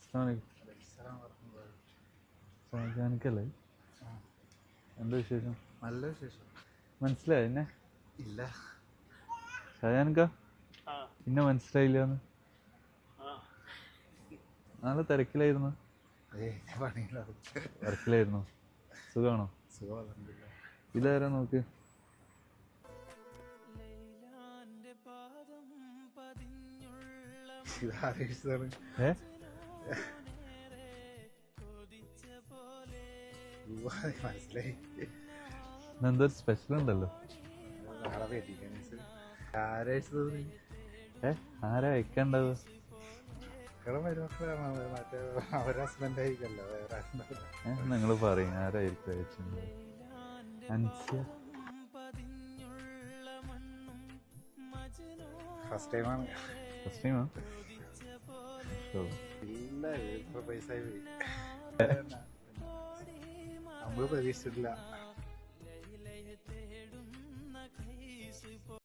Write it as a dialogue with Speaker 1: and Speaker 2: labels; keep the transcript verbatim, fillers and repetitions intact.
Speaker 1: ഷാജാനിക്കല്ലേ? എന്താ വിശേഷം?
Speaker 2: നല്ല വിശേഷം.
Speaker 1: മനസ്സിലായി എന്നെ?
Speaker 2: ഇല്ല.
Speaker 1: ഷാജാനിക്ക പിന്നെ മനസ്സിലായില്ലാന്ന്? നാളെ തിരക്കിലായിരുന്നു. വർക്കിലായിരുന്നു. സുഖമാണോ? ഇതാരാ നോക്ക്. ഏ
Speaker 2: മനസ്സിലായി.
Speaker 1: എന്തോ സ്പെഷ്യൽ ഉണ്ടല്ലോ. ഏ ആരാ അയക്കണ്ടാവുക?
Speaker 2: അവരുടെ ഹസ്ബൻഡ് ആയിരിക്കല്ലോ, വേറെ
Speaker 1: ഏ നിങ്ങൾ പറയും ആരായിരിക്കും അയച്ചിട്ടുണ്ടാവുക? അൻസിയ.
Speaker 2: ഫസ്റ്റ് ടൈമാണ്.
Speaker 1: ഫസ്റ്റ് ടൈമാ?
Speaker 2: ഇല്ല, ഇത്ര പൈസ നമ്മള് പ്രതീക്ഷിച്ചിട്ടില്ല.